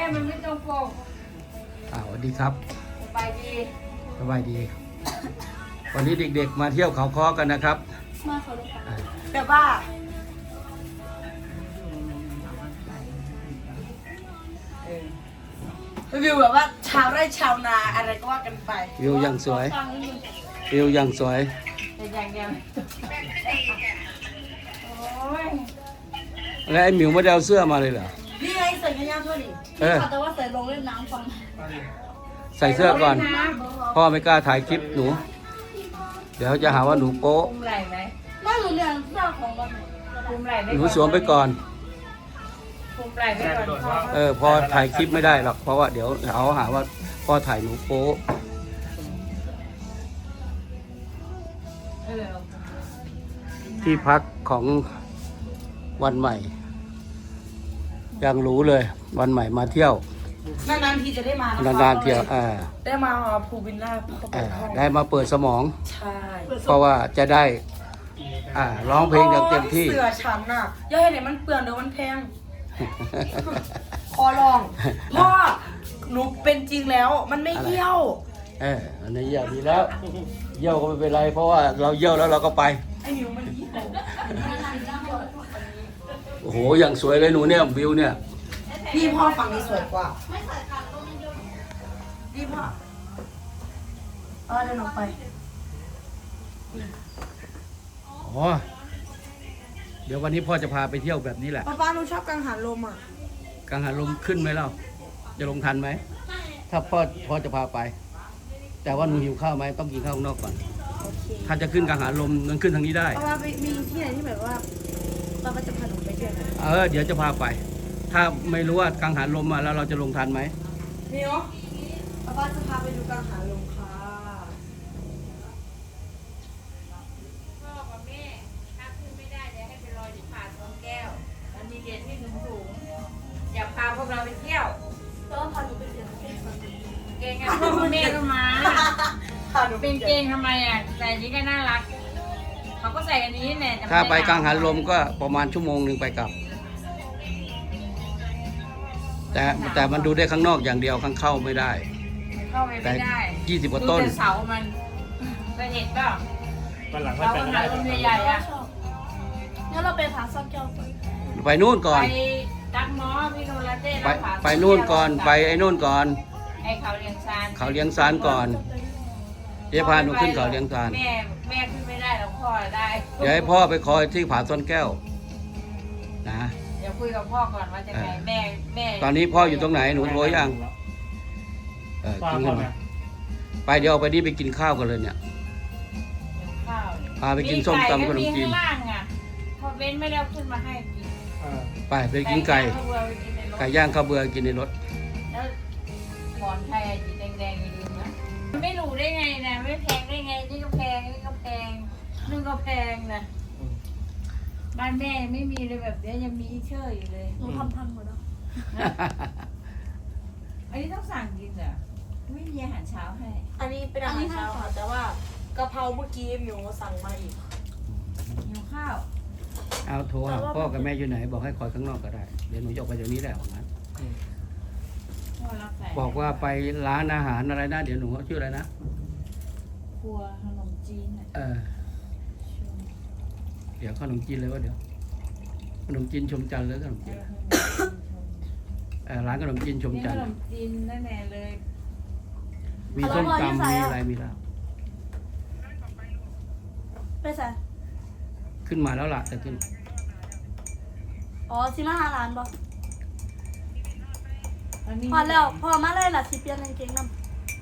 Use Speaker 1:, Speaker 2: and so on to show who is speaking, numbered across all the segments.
Speaker 1: มันไม่ตรงปก
Speaker 2: สวัสดีครับ
Speaker 1: สบายดี
Speaker 2: สบายดี วันนี้เด็กๆมาเที่ยวเขาค้อกันนะครับ
Speaker 3: มาเขาลูกค้า
Speaker 1: แบบว่าวิวแบบว่าชาวไร่ชาวนาอะไรก็ว่ากันไป
Speaker 2: วิวยังสวยวิวยังสวย
Speaker 1: แต่อย่างเดียวโอ้ย
Speaker 2: แล้วไอ้หมิวไม่ได้เอาเสื้อมาเลยเหรอ
Speaker 1: นี่ไงใส่กันยาวทั่วดิ
Speaker 3: แต่ว่าใส่ลงเล่นน้ำฟัง
Speaker 2: ใส่เสื้อก่อนพ่อไม่กล้าถ่ายคลิปหนูเดี๋ยวจะหาว่าหนูโป๊ะ
Speaker 1: คุมไหล่ไหม
Speaker 3: น่าหนูเนี่ยเสื้อของวัน
Speaker 1: คุมไหล่
Speaker 2: หนูสวมไปก่อน
Speaker 1: คุมไหล่ไปก่อน
Speaker 2: พอถ่ายคลิปไม่ได้หรอกเพราะว่าเดี๋ยวเขาหาว่าพ่อถ่ายหนูโป๊ะที่พักของวันใหม่ยังรู้เลยวันใหม่มาเที่ยวน
Speaker 1: านๆทีจะได้มาน
Speaker 2: านๆเที่ยว
Speaker 1: ได้มาภูวิลล่า
Speaker 2: ได้มาเปิดสมอง
Speaker 1: ใช่
Speaker 2: เพราะว่าจะได้ร้องเพลงอย่างเต็มที่
Speaker 1: เสือฉันน่ะอย่าให้เนี่ยมันเปลืองเดี๋ยวมันแพงขอลองพ่อหนูเป็นจริงแล้วมันไม่เยี่ยว
Speaker 2: อันนี้เยี่ยวดีแล้วเยี่ยวก็ไม่เป็นไรเพราะว่าเราเยี่ยวแล้วเราก็ไป
Speaker 1: ไอ้หมิวมันเยี่ยว
Speaker 2: โอ้โหอย่างสวยเลยหนูเนี่ยวิวเนี่ย
Speaker 1: พี่พ่อฝั่งนี้สวยกว่าพี่พ่อเดินออกไป
Speaker 2: อ๋อเดี๋ยววันนี้พ่อจะพาไปเที่ยวแบบนี้แหละ
Speaker 1: ป้าหนูชอบกังหันลมอ่ะ
Speaker 2: กังหันลมขึ้นไหมเล่าจะลงทันไหมถ้าพ่อจะพาไปแต่ว่าหนูหิวข้าวไหมต้องกินข้าวข้างนอกก่อนถ้าจะขึ้นกังหันลมมันขึ้นทางนี้ได้
Speaker 1: ป้ามีที่ไหนที่แบบว่าป้าจะพาหนูไปเที่ยว
Speaker 2: เดี๋ยวจะพาไปถ้าไม่รู้ว่ากังหันลมมาแล้วเราจะลงทันไหม
Speaker 1: นี่เนาะป้าจะพาไปดูกังหันลมค่ะพ่อกับแม่ถ้าขึ้นไม่ได้เดี๋ยวให้ไปรออยู่ผาสวนแก้วมันมีเหรียญที่สูงอยากพาพวกเราไปเที่ยว
Speaker 3: ต้องพาหนูไปเรียน
Speaker 1: เก่งอ่ะพ่อแม่ก็มาเป็นเก่งทำไมอ่ะใส่นี้ก็น่ารักเขาก็ใส่อันนี้แน่
Speaker 2: ถ้าไปกังหันลมก็ประมาณชั่วโมงนึงไปกลับแต่มันดูได้ข้างนอกอย่างเดียวข้างเข้าไม่ได้
Speaker 1: เข้าไปไม่ได้
Speaker 2: 20 กว่าต้น
Speaker 1: เสามันเคยเห็นป่ะ
Speaker 4: วันหลัง
Speaker 1: เรากังหันลมใหญ่ๆอ่ะ
Speaker 3: งั้นเราไปผาซ่อนแก้ว
Speaker 2: ไปนู่นก่อน
Speaker 1: ไปดักมอพี่โนราเต้
Speaker 2: ไปนู่นก่อนไปไอ้นู่นก่อน
Speaker 1: ไอ้เขาเลี้ยงซาน
Speaker 2: ก่อนเดี๋ยวพาหนูขึ้นเขาเลี้ยงซาน
Speaker 1: แม่ขึ้นไม่ได้แล้วพ่อได้
Speaker 2: เดี๋ยวให้พ่อไปคอยที่ผาซ่อนแก้วนะ
Speaker 1: เดี๋ยวคุยกับพ่อก่อนว่าจะไงแม่
Speaker 2: ตอนนี้พ่ออยู่ตรงไหนหนูโทรยังกินกันไปเดี๋ยวเอาไปนี่ไปกินข้าวกันเลยเนี่ยพาไปกินส้มตำขนมจีน
Speaker 1: พอเบ้นไม่ได้ขึ้นมาให้กิน
Speaker 2: ไปกินไก่ย่างข้าวเบื่อกินในรถ
Speaker 1: แล้วหมอนไทยสีแดงๆอย่าลืมนะไม่รู้ได้ไงนะไม่แพงได้ไงนี่ก็แพงนี่ก็แพงนึ่งก็แพงนะบ้านแม่ไม่มีเลยแบบนี้ยังมีเชื่ออยู่เลย
Speaker 3: หนูทำหมดแล้ว
Speaker 1: อันนี้ต้องสั่งกินเหรอไม่มีอาหารเช้าให้
Speaker 3: อันนี้เป็นอาหารเช้าค่ะแต่ว่ากะเพราเมื่อกี้หมิวสั่งมาอีก
Speaker 1: หิวข้าว
Speaker 2: เอาโทรหาพ่อกับแม่อยู่ไหนบอกให้คอยข้างนอกก็ได้เดี๋ยวหนูจะไปจากนี้แหละว่างั้นบอกว่าไปร้านอาหารอะไรนะเดี๋ยวหนูชื่ออะไรนะ
Speaker 1: ครัวขนมจีน
Speaker 2: เดี๋ยวขนมจีนเลยว่าเดี๋ยวขนมจีนชมจันทร์เลยขนมจีนร้านขนมจีนชมจันทร์
Speaker 1: ขนมจีนแน่ๆเลย
Speaker 2: มีส้มตำมีอะไรมีแล้ว
Speaker 3: ไปใส่
Speaker 2: ขึ้นมาแล้วล่ะแต่ขึ้น
Speaker 3: สิมาหาร้านบ่พอแล้วพอมาเลยล่ะสิเปลี่ยนกางเกงน้ำ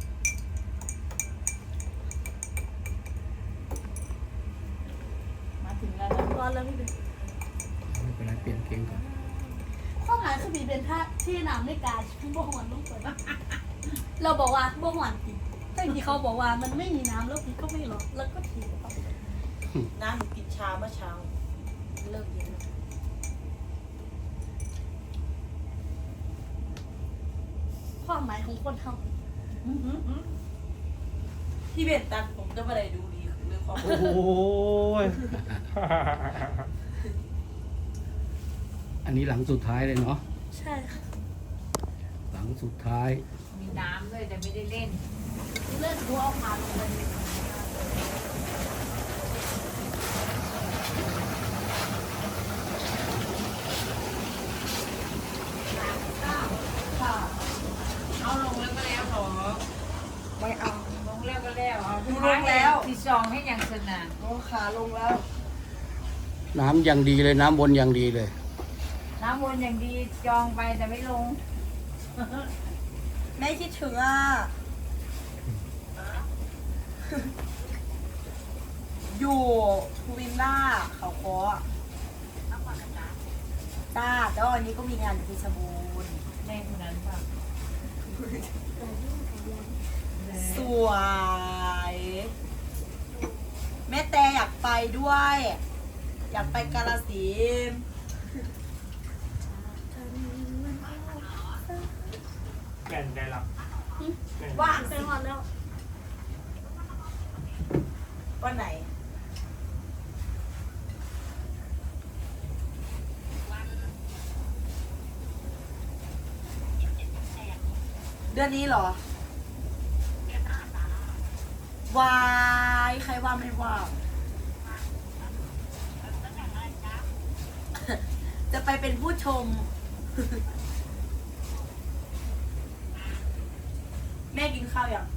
Speaker 1: มาถึงแล้ว
Speaker 3: ร้อนแล้วพี่เบน
Speaker 2: ไม่เป็นไรเปลี่ยนเกงก่อน
Speaker 3: ข้อหมายคือพี่เบนถ้าที่น้ำไม่กาบ่หวนต้องเปิดเราบอกว่าบ่หวนแต่ที่เขาบอกว่ามันไม่มีน้ำแล้วพี่ก็ไม่หรอกแล้วก็ถีบ
Speaker 1: น้ำกินชาเมื่อเช้าเลิกเย็น
Speaker 3: ความหมายของคนทำ
Speaker 1: พี่เบนตัดผมก็ไม่ได้ดูดีเรื่องความ
Speaker 2: โอ้ยอันนี้หลังสุดท้ายเลยเนาะ
Speaker 3: ใช่ค่ะ
Speaker 2: หลังสุดท้าย
Speaker 1: มีน้ำด้วยแต่ไม่ได้เล่น
Speaker 3: เลือดกูเอาขาลงไป
Speaker 1: ค่ะเอาลงแล้วก็แล้วหรอ
Speaker 4: ไม่เอา
Speaker 1: ลงแล้วก็แล้วเอา
Speaker 4: ลงแล้ว
Speaker 1: ที่ซองให้อย่างสนาน
Speaker 4: โอ้ขาลงแล้ว
Speaker 2: น้ำอย่างดีเลยน้ำวนอย่างดีเลย
Speaker 1: น้ำวนอย่างดีจองไปแต่ไม่ลง
Speaker 4: แม่คิดถึงอ่ะ อยู่ภูวิลล่าเขาคอจ้าแต่ว่าวันนี้ก็มีงานอยู่ที่สบูรณ์
Speaker 1: แม่คนนั้นป่ะ
Speaker 4: สวย แม่แต่อยากไปด้วย อยากไปกาฬสินธุ์
Speaker 5: แก่นได้รับ
Speaker 4: ว่าง
Speaker 3: ไป
Speaker 4: สิ
Speaker 3: หอดแล้ว
Speaker 4: วันไหน เดือนนี้เหรอ วาย ใครว่าไม่ว่า จะไปเป็นผู้ชม แม่กินข้าวยัง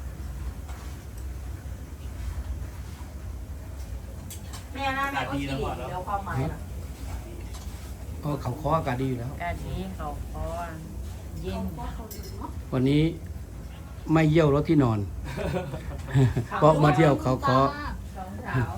Speaker 4: แม่นะแม่ก็กินอีกเดี๋ยวความหมายนะ
Speaker 2: ก็เขาคออากาศดีอยู่แล้ว
Speaker 1: กะทิเขาคอนเย็น
Speaker 2: วันนี้ไม่เยี่ยวรถที่นอน เพราะมาเที่ยวเขาคอ
Speaker 1: สองสาว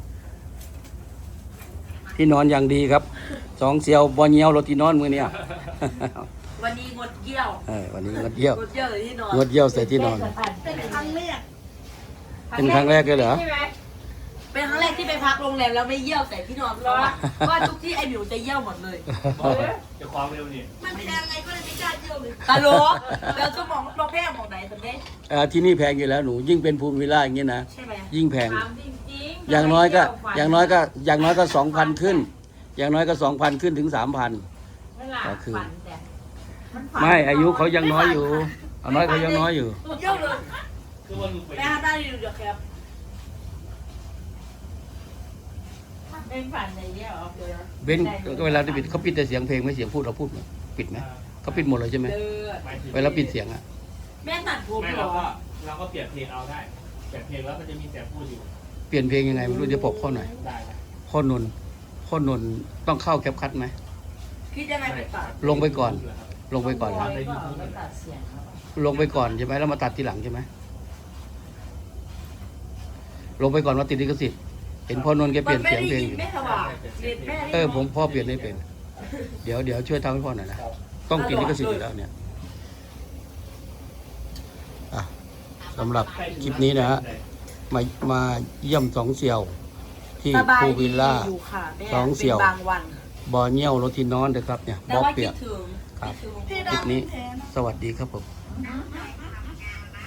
Speaker 2: ที่นอนอย่างดีครับสองเสียวบอเยี่ยวรถที่นอนมือเนี่ย
Speaker 4: วันนี้งดเยี่ยว
Speaker 2: วันนี้งดเยี่ยว
Speaker 4: งดเยี่ยวเลยที่นอน
Speaker 2: งดเยี่ยวใส่ที่นอน
Speaker 4: เป็นครั้งแรก
Speaker 2: เป็นครั้งแรกเลยเหรอ
Speaker 1: ใช่ไหม
Speaker 4: เป็นครั้งแรกที่ไปพักโรงแรมแล้วไม่เยี่ยวใส่ที่นอนเพราะว่าทุกที่ไอ้หมิวจะเยี่ยวหมดเลย
Speaker 5: จะความเร็วนี่
Speaker 4: มันแพงไงก็เลยไม่กล้าเยี่ยวเลยตลกแล้วจะมองเราแพงมองไหนสันเด้
Speaker 2: ที่นี่แพงอยู่แล้วหนูยิ่งเป็นภูมิวิลล่าอย่างนี้นะ
Speaker 4: ใช่ไหม
Speaker 2: ยิ่งแพง
Speaker 1: ถามจริงๆ
Speaker 2: อย่างน้อยก็2,000ขึ้น อย่างน้อยก็2,000ขึ้นถึง 3,000
Speaker 1: ไม่หลับ
Speaker 2: ก็คือ
Speaker 1: ฝันแต่มันฝัน
Speaker 2: ไม่อายุเขายังน้อยอยู่เอาน้อยเขายังน้อยอยู่
Speaker 4: เยี่ยวเลย
Speaker 5: คือว่าลูกไป
Speaker 4: แม่ทำได้ดีดูเดี๋ยวครับ
Speaker 1: เป็นฝันในเยี่ยออกเลย
Speaker 2: เบนก็เวลาที่ปิดเขาปิดแต่เสียงเพลงไม่เสียงพูดเราพูดไหมปิดไหมเขาปิดหมดเลยใช่ไหม
Speaker 4: เดือด
Speaker 5: หมายถึง
Speaker 2: เวลาปิดเสียงอะ
Speaker 4: แม่ตัดผม
Speaker 5: ไม่
Speaker 4: เหร
Speaker 5: เรา
Speaker 4: อ
Speaker 5: ก็เปลี่ยนเพลงเอาได้เปลี่ยนเพลงแล้วมันจะมีเสียงพูดอยู่
Speaker 2: เปลี่ยนเพลงยังไงไม่รู้จะบอกข้อหน่อย
Speaker 5: ได้นะ
Speaker 2: ข้อนนท์ต้องเข้าแคปคัทไหม
Speaker 4: คิดยังไงไปตัด
Speaker 2: ลงไปก่อน ลงไปก่อน
Speaker 1: ร้
Speaker 2: นะ
Speaker 1: อยก็เอาไปตัดเสียงเขา
Speaker 2: ลงไปก่อนใช่ไหมแล้วมาตัดทีหลังใช่ไหมลงไปก่อนว่าติดลิขสิทธิ์เห็นพ่อนนท์แกเปลี่ยนเสียงเพลงอยู่
Speaker 4: แม่สว่างแม่
Speaker 2: ผมพ่อเปลี่ยนไม่เป็น เดี๋ยวช่วยทำให้พ่อหน่อยนะต้องติดลิขสิทธิ์อยู่แล้วเนี่ยอ่ะสำหรับคลิปนี้นะฮะมาเยี่ยมสองเสี่ยว ที่
Speaker 4: สบาย
Speaker 2: ภู
Speaker 4: ดี
Speaker 2: วิลล่า
Speaker 4: อยู่ค่ะแม่
Speaker 2: สองเสี่ยว
Speaker 4: เป็นบางวัน
Speaker 2: บอเนียวรถที่นอนนะครับเนี่ย
Speaker 4: แต่
Speaker 2: บอ
Speaker 4: ว่า
Speaker 2: เปี
Speaker 4: คิ
Speaker 2: ย
Speaker 4: ด
Speaker 2: ก
Speaker 4: ถึง
Speaker 2: ครับ
Speaker 4: คิดถึง
Speaker 2: คลิปนี้สวัสดีครับผม
Speaker 4: ไ